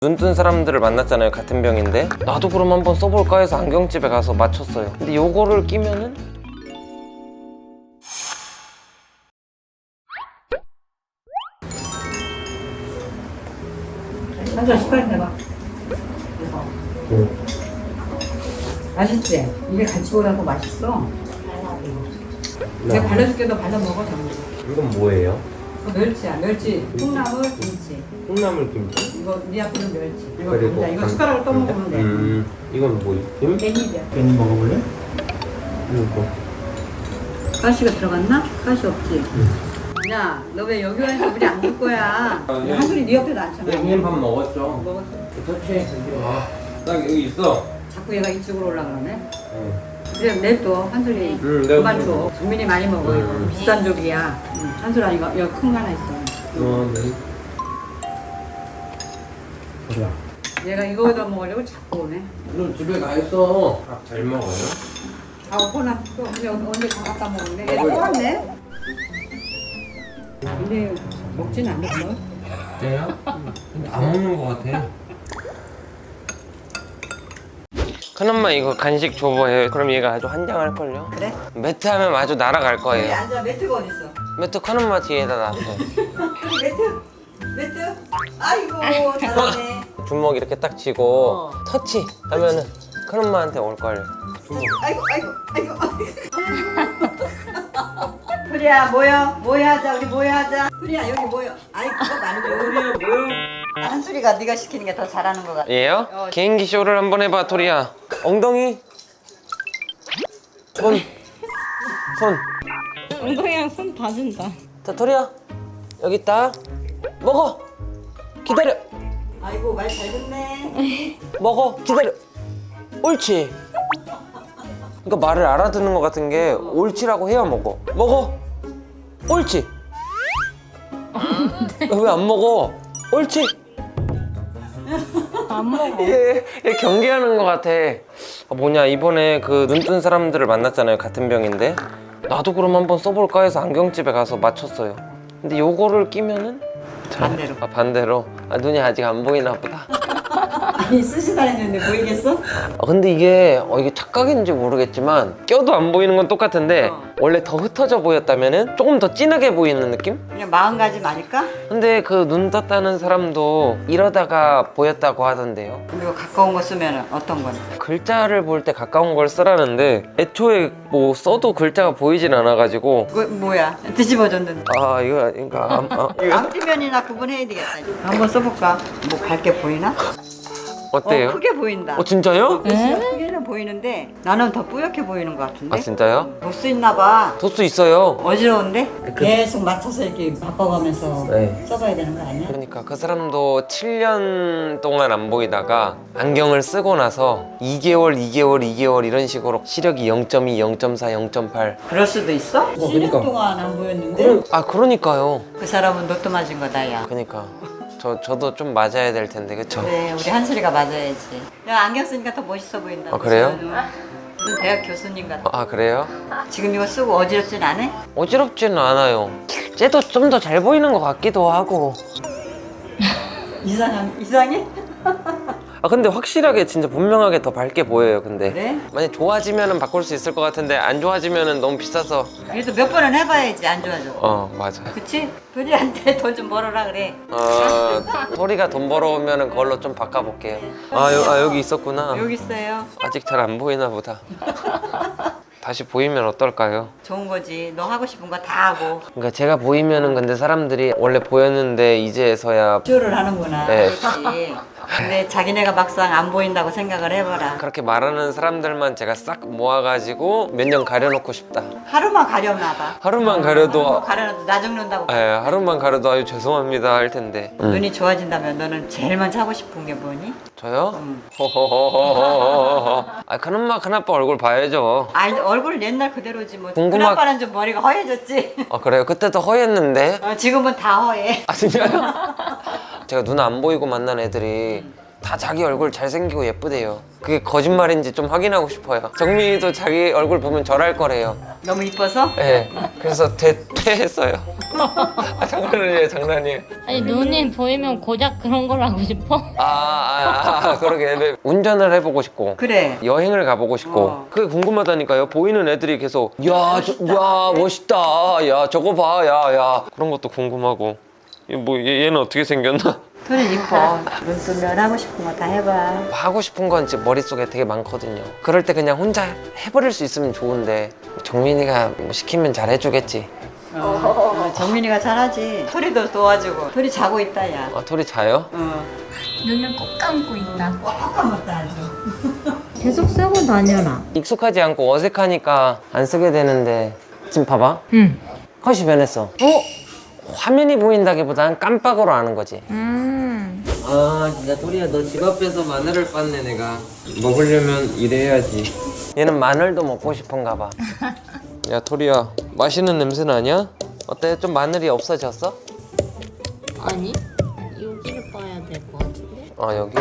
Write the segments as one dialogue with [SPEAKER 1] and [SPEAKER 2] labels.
[SPEAKER 1] 눈 뜬 사람들을 만났잖아요. 같은 병인데 나도 그럼 한번 써볼까 해서 안경집에 가서 맞췄어요. 근데 요거를 끼면은
[SPEAKER 2] 한잔 숟가락 내봐. 맛있지? 이게 같이 오라고 맛있어. 내가 발라줄게. 너 발라 먹어.
[SPEAKER 1] 이건 뭐예요?
[SPEAKER 2] 멸치야. 멸치. 콩나물 김치.
[SPEAKER 1] 콩나물 김치.
[SPEAKER 2] 이거 네 앞에는 멸치. 이거
[SPEAKER 1] 그리고
[SPEAKER 2] 감자. 이거 숟가락으로 떠먹으면 돼.
[SPEAKER 1] 이건 뭐지?
[SPEAKER 2] 깻잎이야.
[SPEAKER 3] 괜히 먹어볼래?
[SPEAKER 1] 이거
[SPEAKER 2] 가시가 들어갔나? 가시 없지? 야, 너 왜 여기 와서 우리 안 줄 거야? 한솔이 네 옆에도 앉잖아.
[SPEAKER 1] 형님 밥 먹었죠?
[SPEAKER 2] 먹었어.
[SPEAKER 1] 터치. 딱 여기 있어.
[SPEAKER 2] 자꾸 얘가 이쪽으로 올라가네.
[SPEAKER 1] 응.
[SPEAKER 2] 그래 냅둬. 한솔이
[SPEAKER 1] 내가
[SPEAKER 2] 그만 줘. 정민이 많이 먹어. 이거 비싼 조기야. 한솔아 이거 여기 큰 거 하나 있어.
[SPEAKER 1] 네.
[SPEAKER 3] 그래.
[SPEAKER 2] 얘가 이거에다 먹으려고 자꾸 오네.
[SPEAKER 1] 너 집에 가 있어. 밥 잘 먹어요?
[SPEAKER 2] 아, 오거나 또 언제 다 갖다 먹는데? 얘 또 왔네? 근데 먹진 않는 거?
[SPEAKER 1] 그래요? 근데 안 먹는 것 같아. 큰엄마 이거 간식 줘봐요. 그럼 얘가 아주 환장할걸요?
[SPEAKER 2] 그래?
[SPEAKER 1] 매트 하면 아주 날아갈
[SPEAKER 2] 여기
[SPEAKER 1] 거예요.
[SPEAKER 2] 앉아. 매트가 어딨어?
[SPEAKER 1] 매트 큰엄마 뒤에다 놨어.
[SPEAKER 2] 여기 매트? 매트? 아이고 잘하네.
[SPEAKER 1] 주먹 이렇게 딱 쥐고 터치 하면은 큰엄마한테 올걸요.
[SPEAKER 2] 아이고 프리야 모여 하자. 우리 모여 하자. 프리야 여기 모여. 아이 그거 말고
[SPEAKER 1] 뭐야?
[SPEAKER 2] 한수리가 네가 시키는 게 더 잘하는 것 같아.
[SPEAKER 1] 얘요? 개인기 쇼를 한번 해봐 토리야. 엉덩이 손
[SPEAKER 4] 엉덩이랑 손 다 준다.
[SPEAKER 1] 자 토리야 여기 있다. 먹어 기다려.
[SPEAKER 2] 아이고 말 잘 듣네.
[SPEAKER 1] 먹어 기다려. 옳지. 그러니까 말을 알아듣는 것 같은 게 옳지라고 해야 먹어. 옳지. 왜 안 먹어? 옳지.
[SPEAKER 4] 안 먹어.
[SPEAKER 1] 얘 경계하는 것 같아. 뭐냐 이번에 그 눈 뜬 사람들을 만났잖아요. 같은 병인데 나도 그럼 한번 써볼까 해서 안경집에 가서 맞췄어요. 근데 요거를 끼면은
[SPEAKER 2] 반대로.
[SPEAKER 1] 반대로 눈이 아직 안 보이나 보다.
[SPEAKER 2] 아니 쓰시다 했는데 보이겠어?
[SPEAKER 1] 근데 이게 착각인지 모르겠지만 껴도 안 보이는 건 똑같은데 원래 더 흩어져 보였다면은 조금 더 진하게 보이는 느낌?
[SPEAKER 2] 그냥 마음가짐 아닐까?
[SPEAKER 1] 근데 그 눈 떴다는 사람도 이러다가 보였다고 하던데요.
[SPEAKER 2] 그리고 가까운 거 쓰면 어떤 건?
[SPEAKER 1] 글자를 볼 때 가까운 걸 쓰라는데 애초에 뭐 써도 글자가 보이진 않아가지고
[SPEAKER 2] 그거 뭐야? 뒤집어졌는데.
[SPEAKER 1] 이거
[SPEAKER 2] 앞뒤면이나 구분해야 되겠다. 한번 써볼까? 뭐 밝게 보이나?
[SPEAKER 1] 어때요?
[SPEAKER 2] 크게 보인다.
[SPEAKER 1] 진짜요?
[SPEAKER 2] 글씨가 크게는 보이는데 나는 더 뿌옇게 보이는 것 같은데?
[SPEAKER 1] 진짜요?
[SPEAKER 2] 도수 있나 봐.
[SPEAKER 1] 도수 있어요.
[SPEAKER 2] 어지러운데? 계속 맞춰서 이렇게 바꿔가면서
[SPEAKER 1] 네.
[SPEAKER 2] 써봐야 되는 거 아니야?
[SPEAKER 1] 그러니까 그 사람도 7년 동안 안 보이다가 안경을 쓰고 나서 2개월 이런 식으로 시력이 0.2, 0.4, 0.8
[SPEAKER 2] 그럴 수도 있어? 7년
[SPEAKER 1] 그러니까.
[SPEAKER 2] 동안 안 보였는데?
[SPEAKER 1] 그러니까요.
[SPEAKER 2] 그 사람은 로또 맞은 거다 야.
[SPEAKER 1] 그러니까 저도 좀 맞아야 될 텐데 그쵸?
[SPEAKER 2] 그래 우리 한솔이가 맞아야지. 야 안경 쓰니까 더 멋있어 보인다.
[SPEAKER 1] 그래요?
[SPEAKER 2] 무슨 대학 교수님 같아.
[SPEAKER 1] 그래요?
[SPEAKER 2] 지금 이거 쓰고 어지럽진 않아?
[SPEAKER 1] 어지럽지는 않아요. 쟤도 좀 더 잘 보이는 것 같기도 하고.
[SPEAKER 2] 이상해?
[SPEAKER 1] 근데 확실하게 진짜 분명하게 더 밝게 보여요. 근데
[SPEAKER 2] 그래?
[SPEAKER 1] 만약 좋아지면은 바꿀 수 있을 것 같은데 안 좋아지면은 너무 비싸서.
[SPEAKER 2] 그래도 몇 번은 해봐야지 안 좋아져.
[SPEAKER 1] 맞아.
[SPEAKER 2] 그치? 도리한테 돈 좀 벌어라 그래.
[SPEAKER 1] 토리가 돈 벌어오면은 그걸로 좀 바꿔볼게요. 여기 있었구나.
[SPEAKER 2] 여기 있어요.
[SPEAKER 1] 아직 잘 안 보이나 보다. 다시 보이면 어떨까요?
[SPEAKER 2] 좋은 거지. 너 하고 싶은 거 다 하고.
[SPEAKER 1] 그러니까 제가 보이면은 근데 사람들이 원래 보였는데 이제서야
[SPEAKER 2] 쇼를 하는구나.
[SPEAKER 1] 네.
[SPEAKER 2] 그렇지. 근데 자기네가 막상 안 보인다고 생각을 해봐라.
[SPEAKER 1] 그렇게 말하는 사람들만 제가 싹 모아가지고 몇 년 가려놓고 싶다.
[SPEAKER 2] 하루만 가려나 봐.
[SPEAKER 1] 하루만 가려도
[SPEAKER 2] 가려놔도 나 죽는다고.
[SPEAKER 1] 하루만 가려도 아유 죄송합니다 할 텐데.
[SPEAKER 2] 눈이 좋아진다면 너는 제일 먼저 하고 싶은 게 뭐니?
[SPEAKER 1] 저요? 큰엄마 큰아빠 얼굴 봐야죠.
[SPEAKER 2] 아니 얼굴은 옛날 그대로지 뭐.
[SPEAKER 1] 궁금하-
[SPEAKER 2] 큰아빠는 좀 머리가 허해졌지.
[SPEAKER 1] 그래요? 그때도 허했는데.
[SPEAKER 2] 지금은 다 허해.
[SPEAKER 1] 진짜요? 제가 눈 안 보이고 만난 애들이 다 자기 얼굴 잘생기고 예쁘대요. 그게 거짓말인지 좀 확인하고 싶어요. 정민이도 자기 얼굴 보면 절할 거래요.
[SPEAKER 2] 너무 이뻐서?
[SPEAKER 1] 네, 그래서 퇴했어요. 장난이에요, 장난이에요.
[SPEAKER 4] 아니 눈이 보이면 고작 그런 걸 하고 싶어?
[SPEAKER 1] 그러게. 네. 운전을 해보고 싶고
[SPEAKER 2] 그래.
[SPEAKER 1] 여행을 가보고 싶고
[SPEAKER 2] 어.
[SPEAKER 1] 그게 궁금하다니까요. 보이는 애들이 계속 야 멋있다, 야 저거 봐, 야 그런 것도 궁금하고. 뭐 얘는 어떻게 생겼나?
[SPEAKER 2] 토리 이뻐. 눈 뜨면 하고 싶은 거 다 해봐.
[SPEAKER 1] 하고 싶은 건 지금 머릿속에 되게 많거든요. 그럴 때 그냥 혼자 해버릴 수 있으면 좋은데 정민이가 뭐 시키면 잘 해주겠지.
[SPEAKER 2] 정민이가 잘하지. 토리도 도와주고. 토리 자고 있다 야.
[SPEAKER 1] 토리 자요?
[SPEAKER 4] 눈을 꼭 감고 있다.
[SPEAKER 2] 꽉 감았다 아주.
[SPEAKER 4] 계속 쓰고 다녀라.
[SPEAKER 1] 익숙하지 않고 어색하니까 안 쓰게 되는데 지금 봐봐.
[SPEAKER 4] 응.
[SPEAKER 1] 컷이 변했어. 화면이 보인다기보단 깜빡으로 아는 거지. 진짜 토리야, 너 집 앞에서 마늘을 빻네. 내가 먹으려면 이래야지. 얘는 마늘도 먹고 싶은가 봐. 야 토리야, 맛있는 냄새 나냐? 어때? 좀 마늘이 없어졌어?
[SPEAKER 4] 아니 여기를 봐야 될 것 같은데.
[SPEAKER 1] 여기?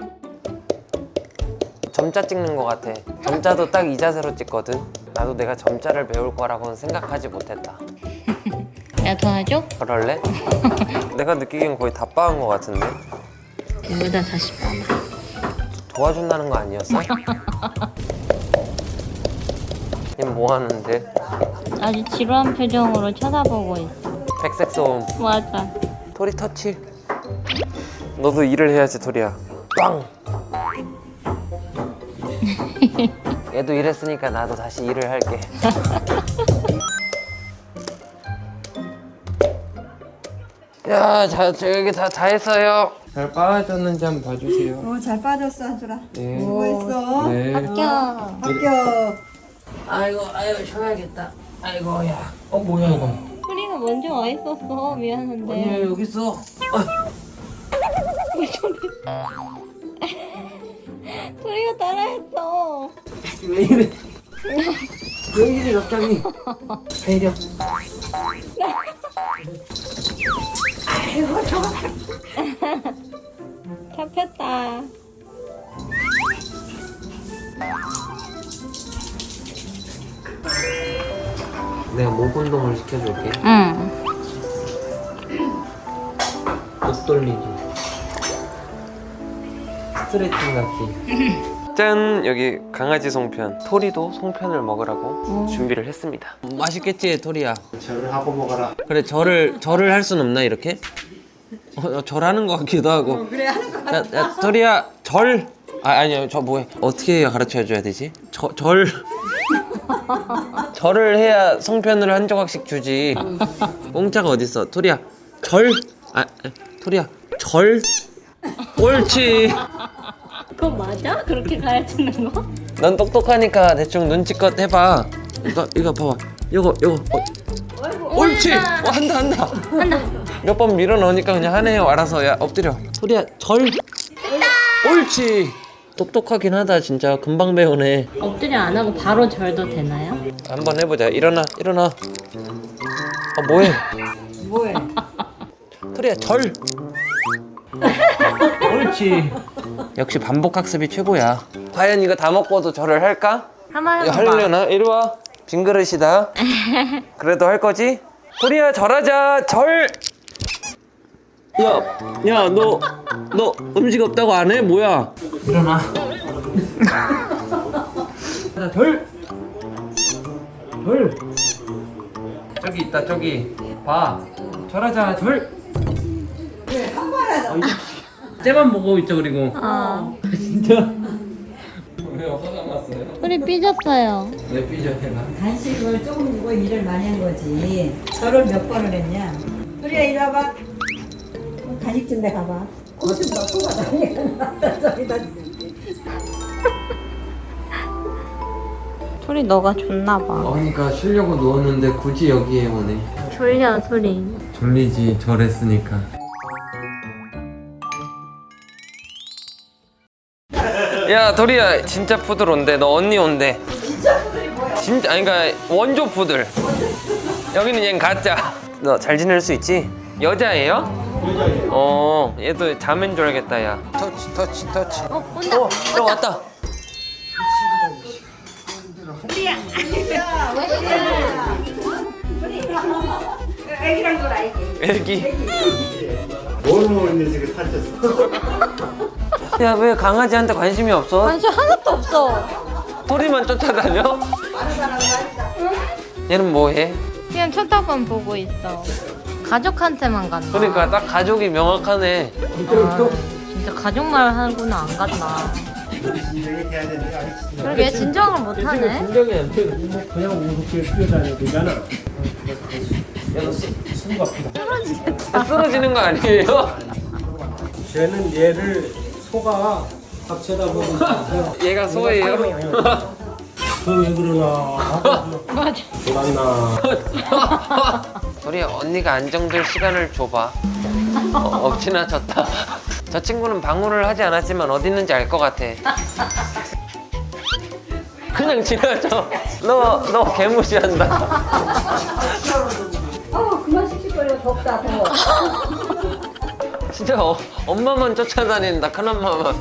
[SPEAKER 1] 점자 찍는 거 같아. 점자도 딱 이 자세로 찍거든. 나도 내가 점자를 배울 거라고는 생각하지 못했다.
[SPEAKER 4] 내가 도와줘?
[SPEAKER 1] 그럴래? 내가 느끼기엔 거의 다 빠은 거 같은데.
[SPEAKER 4] 여기다 다시 봐봐.
[SPEAKER 1] 도와준다는 거 아니었어? 얘 뭐 하는데?
[SPEAKER 4] 아주 지루한 표정으로 쳐다보고 있어.
[SPEAKER 1] 백색 소음.
[SPEAKER 4] 맞아.
[SPEAKER 1] 토리 터치. 너도 일을 해야지 토리야. 빵. 얘도 일했으니까 나도 다시 일을 할게. 야, 여기 다 했어요. 잘 빠졌는지 한번 봐주세요.
[SPEAKER 2] 잘 빠졌어 한솔아.
[SPEAKER 1] 네.
[SPEAKER 2] 수고했어.
[SPEAKER 1] 네.
[SPEAKER 2] 합격.
[SPEAKER 1] 아이고 쉬어야겠다. 아이고 야. 뭐야 이거?
[SPEAKER 4] 소리가 먼저 와 있었어. 미안한데.
[SPEAKER 1] 여기 있어.
[SPEAKER 4] 소리가 따라했어.
[SPEAKER 1] 왜 이래? 왜 이래 갑자기? 배려.
[SPEAKER 4] 잡혔다.
[SPEAKER 1] 내가 목 운동을 시켜줄게.
[SPEAKER 4] 응.
[SPEAKER 1] 목 돌리기. 스트레칭 같기. 짠! 여기 강아지 송편. 토리도 송편을 먹으라고 준비를 했습니다. 맛있겠지, 토리야?
[SPEAKER 3] 절을 하고 먹어라.
[SPEAKER 1] 그래, 절을 할 순 없나, 이렇게? 절하는 것 같기도 하고.
[SPEAKER 2] 그래 하는 거.
[SPEAKER 1] 야, 토리야, 절! 아니요, 저 뭐해? 어떻게 해야 가르쳐 줘야 되지? 절. 절을 해야 송편을 한 조각씩 주지. 공짜가 어딨어? 토리야, 절! 토리야, 절! 옳지!
[SPEAKER 4] 그거 맞아? 그렇게 가르치는 거?
[SPEAKER 1] 넌 똑똑하니까 대충 눈치껏 해봐. 이거 봐봐. 이거. 옳지! 한다. 몇 번 밀어 넣으니까 그냥 하네요. 알아서. 야, 엎드려. 토리야, 절! 옳지! 똑똑하긴 하다, 진짜. 금방 배우네.
[SPEAKER 4] 엎드려 안 하고 바로 절도 되나요?
[SPEAKER 1] 한번 해보자. 일어나. 뭐해?
[SPEAKER 2] 뭐해?
[SPEAKER 1] 토리야, 절! 옳지. 역시 반복 학습이 최고야. 과연 이거 다 먹고도 절을 할까?
[SPEAKER 4] 한번
[SPEAKER 1] 이거
[SPEAKER 4] 해봐.
[SPEAKER 1] 하려나? 이리 와. 빈 그릇이다. 그래도 할 거지? 토리야, 절하자. 절! 야, 너 음식 없다고 안 해? 뭐야? 일어나. 자, 절! 저기 있다, 저기. 봐. 절하자, 절!
[SPEAKER 2] 그래 한 번 하자.
[SPEAKER 1] 쟤만 보고 있죠, 그리고. 진짜? 왜요? 화가 났어요?
[SPEAKER 4] 소리 삐졌어요.
[SPEAKER 1] 왜 삐져해라?
[SPEAKER 2] 간식을 조금 주고 일을 많이 한 거지. 저를 몇 번을 했냐? 토리야 이리 와봐. 간식 좀 내 가봐. 고좀 넣고 가자. 저기다 줄게.
[SPEAKER 4] 소리 너가 줬나 봐.
[SPEAKER 1] 그러니까 쉬려고 누웠는데 굳이 여기에 오네.
[SPEAKER 4] 졸려 소리.
[SPEAKER 1] 졸리지, 절했으니까. 야, 도리야, 진짜 푸들 온대. 너 언니 온대.
[SPEAKER 2] 진짜 푸들이 뭐야?
[SPEAKER 1] 진짜, 아니, 그러니까 원조 푸들. 여기는 얘는 가짜. 너 잘 지낼 수 있지? 여자예요? 얘도 자면 줄 알겠다, 야. 터치.
[SPEAKER 4] 온다.
[SPEAKER 1] 저 왔다.
[SPEAKER 2] 애기랑 놀아, 애기.
[SPEAKER 1] 애기.
[SPEAKER 3] 뭘 먹는지 지금 살쪘어.
[SPEAKER 1] 야, 왜 강아지한테 관심이 없어?
[SPEAKER 4] 관심 하나도 없어.
[SPEAKER 1] 토리만 쫓아다녀? 얘는 뭐해?
[SPEAKER 4] 그냥 쳐다만 보고 있어. 가족한테만 간다.
[SPEAKER 1] 그러니까 딱 가족이 명확하네.
[SPEAKER 4] 진짜 가족말 하고는 안 간다.
[SPEAKER 3] 진정이 돼야 되는데 아직 진정.
[SPEAKER 4] 그러게 진정을 못하네.
[SPEAKER 1] 진정이 안 돼.
[SPEAKER 3] 그냥 우습게 뛰어다녀도 되잖아.
[SPEAKER 1] 쓰러지는 거 아니에요?
[SPEAKER 3] 쟤는 얘를 소가 합쳐다 보면
[SPEAKER 1] 얘가 소예요?
[SPEAKER 3] 그왜 그러나?
[SPEAKER 4] 맞아.
[SPEAKER 3] 돌았나?
[SPEAKER 1] 우리 언니가 안정될 시간을 줘봐. 엎치나 졌다. 저 친구는 방문을 하지 않았지만 어디 있는지 알 것 같아. 그냥 지나쳐. 너 개무시한다.
[SPEAKER 2] 그만 씩씩거려, 덥다, 더워.
[SPEAKER 1] 진짜 엄마만 쫓아다닌다. 큰엄마만.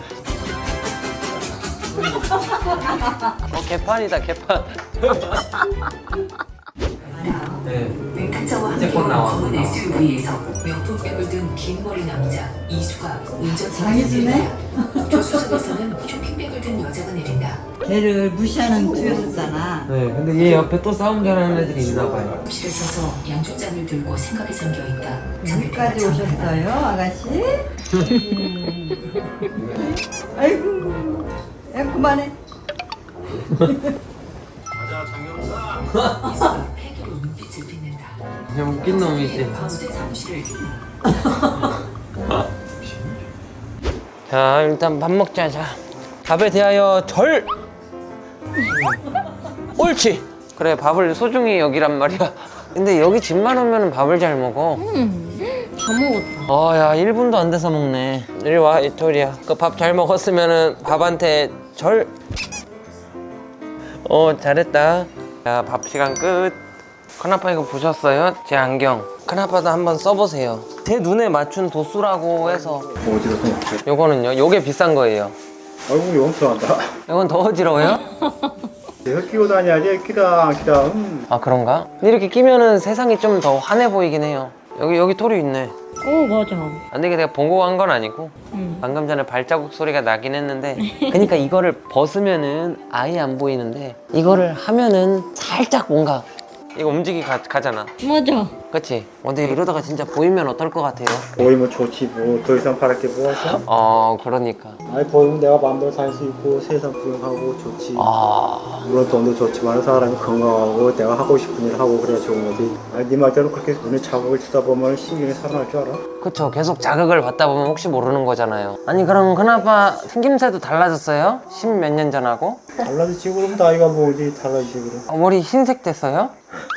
[SPEAKER 1] 개판이다, 개판. 네.
[SPEAKER 5] 웨이크차와
[SPEAKER 1] 이제 곧
[SPEAKER 5] 함께
[SPEAKER 1] 나와.
[SPEAKER 5] 검은 SUV에서 명품백을 든 긴 머리 남자 이수가 운전석에서
[SPEAKER 2] 장희수네?
[SPEAKER 5] 내린다. 조수석에서는 쇼핑백을 든 여자가 내린다.
[SPEAKER 2] 걔를 무시하는 투였었잖아.
[SPEAKER 1] 네, 근데 얘 옆에 또 싸움 잘하는 애들이 있나 봐요.
[SPEAKER 5] 실에 서서 양쪽잔을 들고 생각에 잠겨 있다.
[SPEAKER 2] 여기까지 오셨어요, 아가씨? 아이고, 야, 그만해.
[SPEAKER 5] 이수가 폐기로 눈빛을 빛낸다.
[SPEAKER 1] 그냥 웃긴 놈이지.
[SPEAKER 5] 가운데 사무실을
[SPEAKER 1] 자, 일단 밥 먹자. 자, 밥에 대하여 절. 옳지. 그래, 밥을 소중히 여기란 말이야. 근데 여기 집만 오면 밥을 잘 먹어.
[SPEAKER 4] 다 먹었다.
[SPEAKER 1] 야, 1분도 안 돼서 먹네. 이리 와, 이토리야. 그 밥 잘 먹었으면은 밥한테 절. 잘했다. 자, 밥 시간 끝. 큰아빠 이거 보셨어요? 제 안경. 큰아빠도 한번 써보세요. 제 눈에 맞춘 도수라고 해서.
[SPEAKER 3] 어지러워.
[SPEAKER 1] 요거는요? 요게 비싼 거예요.
[SPEAKER 3] 얼굴이 용서한다.
[SPEAKER 1] 이건 더 어지러워요?
[SPEAKER 3] 내가 끼고 다녀야지. 끼다.
[SPEAKER 1] 아, 그런가? 근데 이렇게 끼면은 세상이 좀 더 환해 보이긴 해요. 여기 토리 있네.
[SPEAKER 4] 오 맞아.
[SPEAKER 1] 근데 이게 내가 본고 한 건 아니고 방금 전에 발자국 소리가 나긴 했는데 그러니까 이거를 벗으면은 아예 안 보이는데 이거를 하면은 살짝 뭔가 이거 움직이 가잖아.
[SPEAKER 4] 맞아.
[SPEAKER 1] 그치? 근데 이러다가 진짜 보이면 어떨 것 같아요?
[SPEAKER 3] 보이면 좋지 뭐. 더 이상 바랄 게 뭐가 있어?
[SPEAKER 1] 그러니까.
[SPEAKER 3] 아니 보이면 내가 마음대로 살 수 있고 세상 구경하고 좋지. 물론 돈도 좋지만 사람이 건강하고 내가 하고 싶은 일 하고 그래야 좋은 거지. 아니 네 말대로 그렇게 눈에 자극을 주다 보면 신경이 살아날 줄 알아?
[SPEAKER 1] 그쵸. 계속 자극을 받다 보면 혹시 모르는 거잖아요. 아니 그럼 큰아빠 생김새도 달라졌어요? 10몇 년 전하고?
[SPEAKER 3] 달라지지 그럼 나이가 뭐지 달라지지 그럼.
[SPEAKER 1] 머리 흰색 됐어요?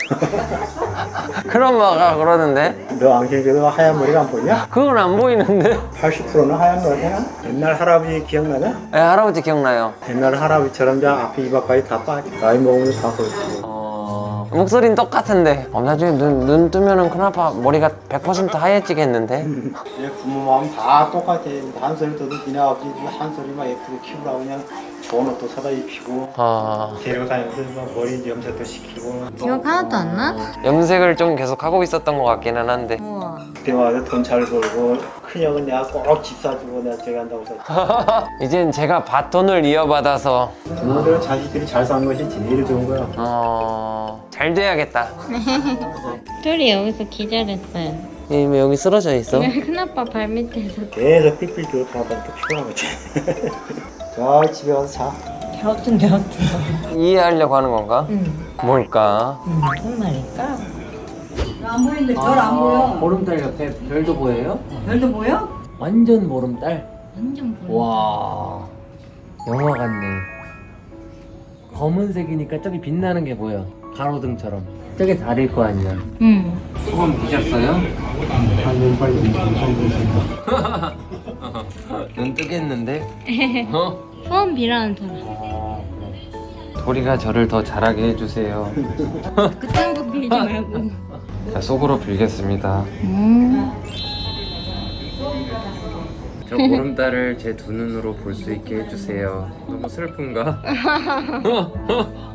[SPEAKER 1] 그런 마가 그러는데
[SPEAKER 3] 너 안경에도 하얀 머리가 안 보이냐?
[SPEAKER 1] 그건 안 보이는데?
[SPEAKER 3] 80%는 하얀 머리야. 옛날 할아버지 기억나냐?
[SPEAKER 1] 네, 할아버지 기억나요.
[SPEAKER 3] 옛날 할아버지처럼 그냥 앞에 이마까지 다 빠져. 나이 먹으면 다 그렇지.
[SPEAKER 1] 목소리는 똑같은데 나중에 눈 뜨면은 큰아빠 머리가 100% 하얘지겠는데?
[SPEAKER 3] 내 부모 마음 다 똑같아. 한 소리 떠도 니네 아버지 한 소리만 예쁘게 키우라고 그냥 좋은 옷도 사다 입히고 데리고 다니면서 막 머리 염색도 시키고.
[SPEAKER 4] 기억 하나도 안 나?
[SPEAKER 1] 염색을 좀 계속 하고 있었던 것 같기는 한데
[SPEAKER 4] 우와.
[SPEAKER 3] 그때 와서 돈 잘 벌고 큰형은 내가 꼭 집 사주고 내가 저기 한다고 해서
[SPEAKER 1] 이젠 제가 바톤을 이어받아서
[SPEAKER 3] 부모들은 자식들이 잘 사는 것이 제일 좋은 거야.
[SPEAKER 1] 잘 돼야겠다.
[SPEAKER 4] 둘이 여기서 기절했어요.
[SPEAKER 1] 왜 여기 쓰러져 있어?
[SPEAKER 4] 큰아빠 발밑에서
[SPEAKER 3] 계속 삑삑 뛰고 돌아다니까 피곤한 거지. 자 집에 가서 자.
[SPEAKER 4] 갸우뚱
[SPEAKER 1] 이해하려고 하는 건가?
[SPEAKER 4] 응.
[SPEAKER 1] 뭘까?
[SPEAKER 4] 무슨 말일까?
[SPEAKER 2] 안 보이는데 별 안 보여.
[SPEAKER 1] 보름달 옆에 별도 보여요?
[SPEAKER 2] 별도 보여?
[SPEAKER 1] 완전 보름달?
[SPEAKER 4] 완전 보여.
[SPEAKER 1] 와, 영화 같네. 검은색이니까 저기 빛나는 게 보여. 가로등처럼. 저게 달일 거 아니야.
[SPEAKER 4] 응.
[SPEAKER 1] 소금 보셨어요? 눈 뜨겠는데?
[SPEAKER 4] 소원 빌어는 사람.
[SPEAKER 1] 도리가 저를 더 잘하게 해주세요.
[SPEAKER 4] 그딴 거 빌지 말고.
[SPEAKER 1] 자, 속으로 빌겠습니다. 저 보름달을 제 두 눈으로 볼 수 있게 해주세요. 너무 슬픈가?